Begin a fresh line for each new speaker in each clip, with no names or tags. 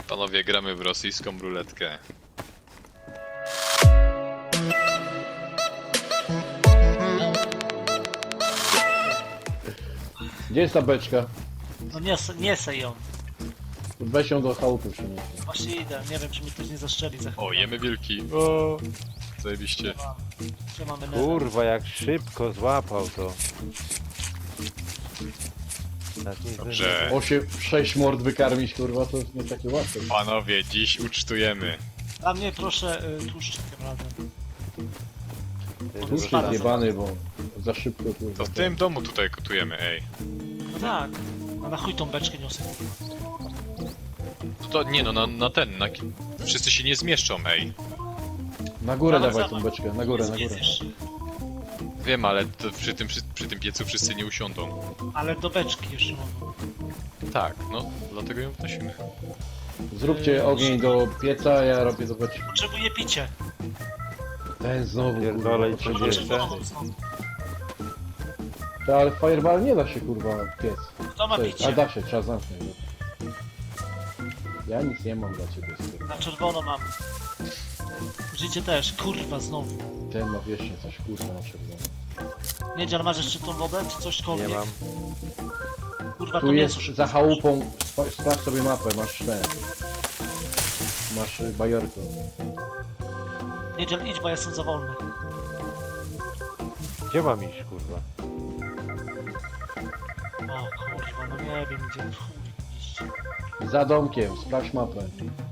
Panowie, gramy w rosyjską ruletkę.
Gdzie jest ta beczka?
No nie sej ją.
Weź ją do chałupy przynieść.
Właśnie idę, nie wiem czy mi ktoś nie zastrzeli za chwilę.
O, jemy wilki. O, zajebiście.
Gdzie mamy nether?
Kurwa, jak szybko złapał to. Tak nie
Dobrze.
6 mord wykarmić, kurwa, to nie takie łatwe.
Panowie, dziś ucztujemy.
A mnie proszę tłuszcz tym razem.
zdążymy.
Tłuszcz
Spada
jest jebany, bo za szybko, kurwa.
To w tym domu tutaj kotujemy, ej.
No tak. A na chuj tą beczkę niosę.
To nie no, na ten, wszyscy się nie zmieszczą, ej.
Na górę
Ale
dawaj
za-
tą beczkę, na górę, na górę.
Zjedziesz.
Wiem, ale to przy tym piecu wszyscy nie usiądą.
Ale do beczki jeszcze mam.
Tak, no, dlatego ją wnosimy.
Zróbcie ogień do pieca, a ja robię do beczki.
Potrzebuję picie.
Ten znowu,
Pierdolę i
kurwa,
przecież-
potrzebuje.
Czerwoną znowu.
Ale fireball nie da się, kurwa, piec.
Kto ma
To jest- A
picie?
da się, trzeba zamknąć. Ja nic nie mam dla ciebie, stary.
Na czerwono mam. Życie też, kurwa znowu.
Ten ma wiecznie coś, kurwa, na czerwono.
Niedziel, masz jeszcze tą wodę, czy
Nie
cośkolwiek?
mam.
Kurwa, to
Tu
mięso
jest
szybko
za
skończy.
chałupą, sprawdź sobie mapę, masz ten. Masz bajorkę.
Niedziel, idź, bo ja jestem za wolny.
Gdzie mam iść, kurwa?
O kurwa, no nie wiem gdzie chuj iść.
Za domkiem, sprawdź mapę.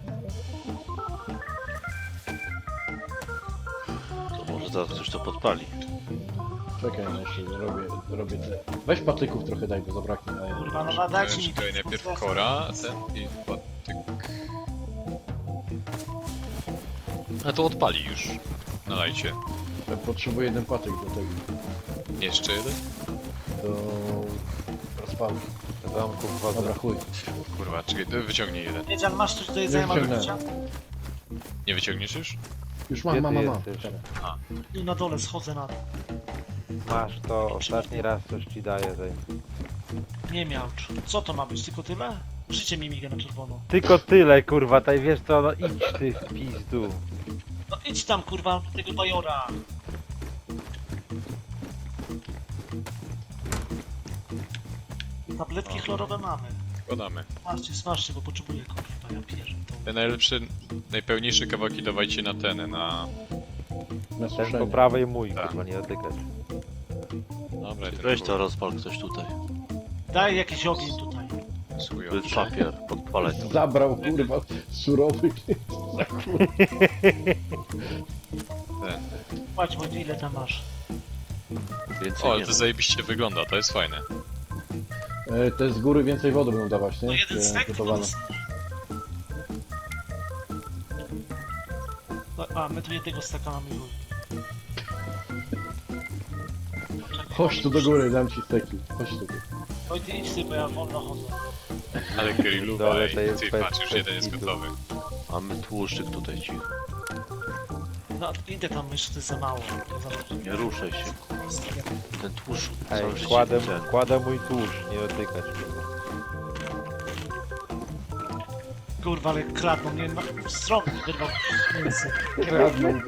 To może zaraz ktoś to podpali.
Czekaj, no jeszcze robię te. Weź patyków trochę daj, bo zabraknie. A ja...
Kurwa, no nadajcie mi...
Czekaj, najpierw kora, ten i patyk. A to odpali już. Nalajcie.
Ja potrzebuję jeden patyk do tego.
Jeszcze jeden?
Do rozpałki.
Do domku wchodzę.
Dobra, chuj.
Kurwa, czekaj, to wyciągnij jeden.
Niedziel, masz coś do jedzenia, mamy
wyciągnąłem.
picia?
Nie wyciągniesz już?
Już
Gdzie
mam.
ty jesteś?
Teraz.
Tu na dole schodzę na dół.
Masz to, ostatni raz coś ci daję. Daj.
Nie miał. Co to ma być? Tylko tyle? Życie mi miga na czerwono.
Tylko tyle, kurwa, taj wiesz co, no idź ty w pizdu.
No idź tam kurwa do tego bajora. Tabletki chlorowe mamy.
Podamy.
Smażcie, bo potrzebuję kurwa, ja pierdolę.
Te najlepsze, najpełniejsze kawałki dawajcie na ten, na...
Na
Ten po
suszenie.
prawej mój,
Tak.
kurwa, nie dotykać.
Dobra, ten
Weź to rozpal ktoś tutaj.
Daj jakiś ogień tutaj.
chujowy.
Był papier, podpalaj to.
Zabrał, kurwa, surowy. Za kurwa.
Ten.
Płać, bo ile tam masz?
Więcej
O, ale
nie
to
ma.
zajebiście wygląda, to jest fajne.
Te z góry więcej wody będą dawać, nie?
No jeden
Te
stek?
gotowane.
A, my tu jednego steka mamy już.
Chodź tu do góry, dam ci steki. Chodź tu.
Oj, ty idź ty, bo ja wolno chodzę.
Ale grilluwa,
Dole to
ej,
jest
ty
bez-
patrz, już
bez
jeden jest
kitu.
gotowy.
Mamy tłuszczyk tutaj cicho.
No, idę tam, jeszcze to jest za mało. To za dużo.
Nie ruszaj się. Ten tłuszcz
Ej,
cały życie ten.
kładę mój tłuszcz, nie dotykać, kurwa.
Kurwa, ale kradną mnie na stronę, wyrwał mięso.
Kradną.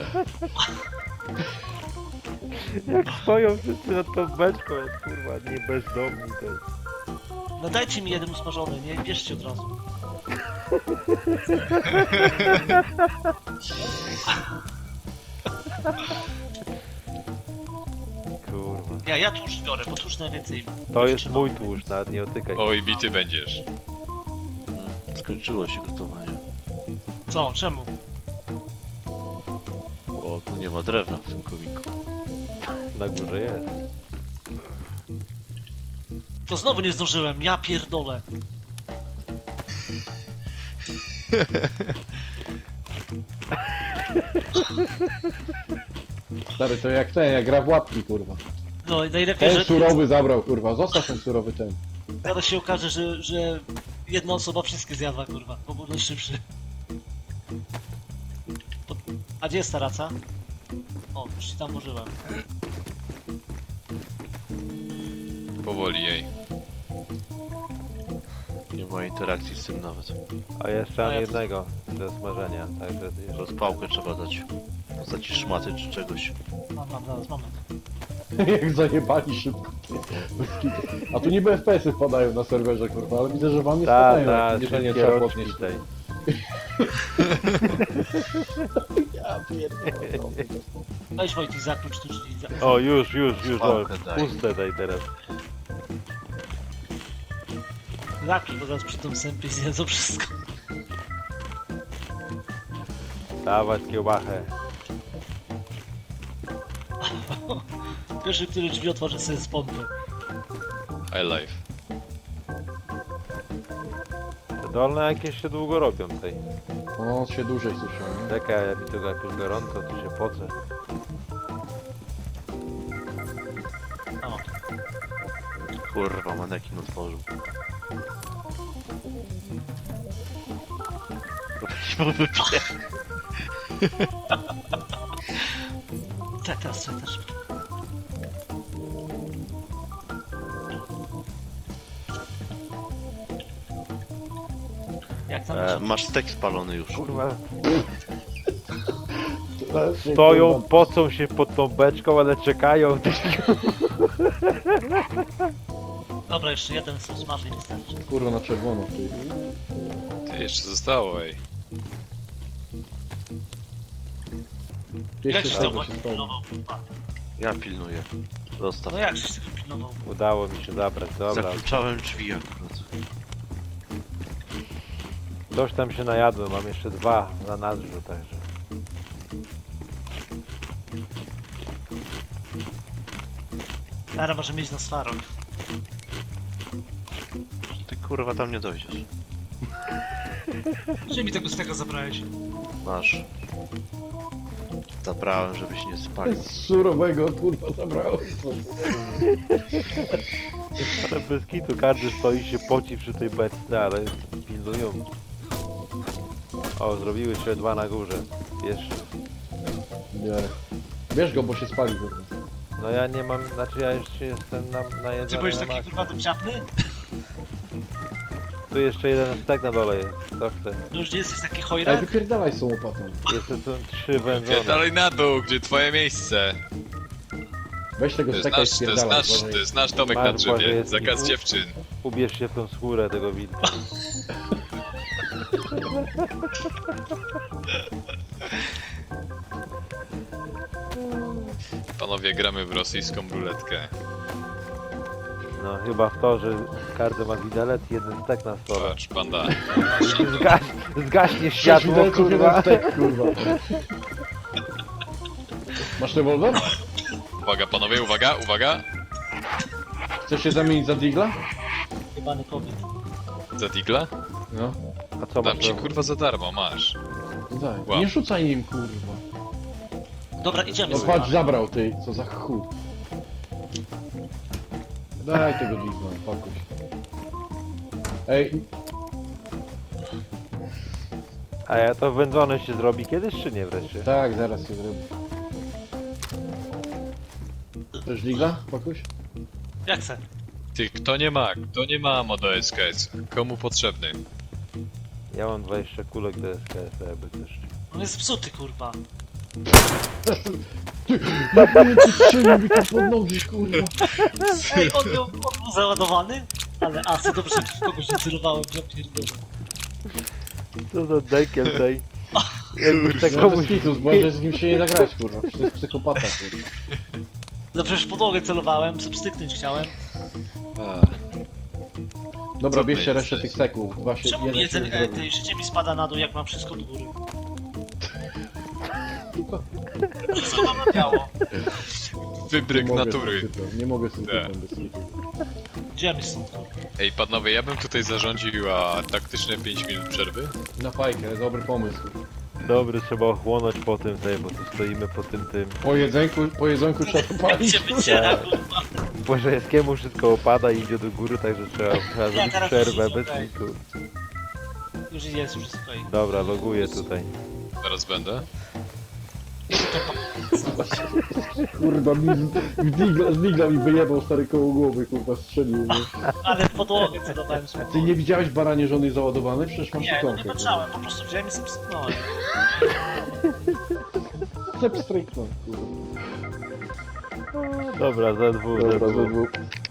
Jak stoją wszyscy nad tą beczką, jak kurwa, nie bezdomni to jest.
No dajcie mi jeden usmażony, nie bierzcie od razu.
Kurwa.
Ja tłuszcz biorę, bo tłuszcz najwięcej.
To jest mój tłuszcz, nawet nie dotykaj.
Oj, bity będziesz.
Skończyło się gotowanie.
Co? Czemu?
O, tu nie ma drewna w tym komiku.
Na górze jest.
To znowu nie zdążyłem, ja pierdolę.
Stary, to jak ten, jak gra w łapki, kurwa.
No i najlepiej,
Ten
że
surowy zabrał, kurwa. Zostaw ten surowy ten.
zaraz się okaże, że jedna osoba wszystkie zjadła, kurwa, bo był najszybszy. A gdzie jest ta raca? O, już ci tam włożyłem.
Powoli, jej.
Nie ma interakcji z tym nawet.
A jeszcze
A
mam
ja-
jednego do smażenia, także jeszcze...
Rozpałkę trzeba dać. Dać szmaty czy czegoś.
Mam, zaraz, moment.
Jak zajebali szybko. Bez kitu. A tu niby FPS-y wpadają na serwerze, kurwa, ale widzę, że wam nie
Ta,
spadają,
ta,
jak nie, że nie
szybkie
trzeba
rączki
podnieść.
tutaj.
Ja pierdolę.
Weź Wojtek, zaklucz tu drzwi.
O, już, o,
Pałkę daj.
puste daj teraz.
Zaklucz, bo zaraz przy tym sępie zjedzą wszystko.
Dawać kiełbachę.
Pierwszy, który drzwi otworzy sobie z pompy.
High life.
Te dolne jakieś się długo robią tutaj.
No, się dłużej suszą.
Czekaj, jak mi tu jakoś gorąco, to się pocę.
O,
Kurwa, manekin otworzył.
teraz. Jak tam
Masz stek spalony już.
Kurwa, stoją, pocą się pod tą beczką, ale czekają.
Dobra, jeszcze jeden smaży nie wystarczy.
Kurwa, na czerwono. Ty.
Ty, jeszcze zostało, ej.
Jak
Jeszcze
się to
czego się
właśnie
stało.
pilnował? kurwa?
Ja pilnuję. Zostaw.
No jak się tego pilnował?
Udało mi się zabrać, dobra.
Zakluczałem drzwi akurat.
Coś tam się najadłem, mam jeszcze 2 na nadrzu, także.
Teraz może mieć na swarok.
Ty kurwa tam nie dojdziesz.
Gdzie mi tego z tego zabrałeś?
Masz. Zabrałem, żebyś nie spalił.
Z surowego, kurwa, zabrałem.
Ale bez kitu, każdy stoi się poci przy tej beczce, ale pilnują. O, zrobiły się 2 na górze. Jeszcze.
Nie. Bierz go, bo się spali, kurwa.
No ja nie mam, znaczy ja jeszcze jestem
Ty
najedzony
byłeś
na
taki
maksa.
kurwa dupciapny?
Tu jeszcze jeden stek na dole jest, co chcę.
No już nie jesteś taki
Ej,
chojrak?
wypierdalaj z tą łopatą.
Jeszcze są 3 wędzone.
Dalej na dół, gdzie twoje miejsce.
Weź tego
To jest
steka i
nasz,
spierdalaj.
to jest nasz domek
Masz,
na
Boże,
drzewie.
jest
Zakaz
mi-
dziewczyn.
Ubierz się w tą skórę tego wilka.
Panowie, gramy w rosyjską ruletkę.
No chyba w to, że każdy ma widelec i jeden stek na stole.
Patrz, panda.
Zgaśnie
6
światło,
widelców,
kurwa.
jeden stek, kurwa. Masz rewolwer?
Uwaga, panowie, uwaga.
Chcesz się zamienić za digla?
Jebany kobiet.
Za digla?
No.
A co
Dam
masz?
ci kurwa za darmo, masz.
Daj.
Wow.
Nie rzucaj nim, kurwa.
Dobra, idziemy
No
sobie.
patrz, zabrał ty, co za chuj. Daj tego digla, pakuj. Ej,
A ja to wędzone się zrobi kiedyś, czy nie wreszcie?
tak, zaraz się zrobię. Chcesz digla, pakuś?
Jak chcę?
Ty, kto nie ma ammo do SKS? Komu potrzebny?
Ja mam 20 kulek do SKS, jakby też.
On jest psuty, kurwa.
Ty strzelił mi to pod nogi, kurwa.
Ej, on był załadowany? Ale asy, dobrze, że w kogoś nie celowałem, ja pierdolę.
Co za dekiel tej? Jakby tak
No
komuś...
bez kitu, może z nim się nie zagrać, kurwa. Przecież to jest psychopata, kurwa.
No przecież w podłogę celowałem, substyknąć chciałem.
Dobra,
Co
bierzcie
ty
resztę
jesteś?
tych seków. Dwa się,
Czemu mi
jeden się
jedzenie,
zrobi.
tej życie mi spada na dół, jak mam wszystko do góry? Wszystko mam na biało.
Wybryk
mogę
natury.
z tym typem, nie mogę z tym
Tak.
typem bez kitu.
Gdzie my stąd, kurwa?
Ej, panowie, ja bym tutaj zarządził taktyczne 5 minut przerwy.
Na fajkę, dobry pomysł.
Dobry, trzeba ochłonąć po tym tej, bo tu stoimy po tym.
Po jedzonku trzeba
Jak
palić.
się wyciera, kurwa.
Bożejskiemu wszystko opada i idzie do góry, także trzeba zrobić
teraz
przerwę
już
bez
jest okej.
kitu.
Już jest okej.
Dobra, loguję tutaj.
Zaraz będę.
Kurwa, z digla mi wyjebał stary koło głowy, kurwa, strzelił mnie.
Ale w podłogę celowałem się.
Ty nie widziałeś baranie żony załadowanej? Przecież masz
Nie, no nie
ikonkę.
patrzałem, po prostu wziąłem i sobie sypnąłem.
Cep strajknął, kurwa.
Dobra, za dwóch,
Dobra,
za dwóch.
ZW.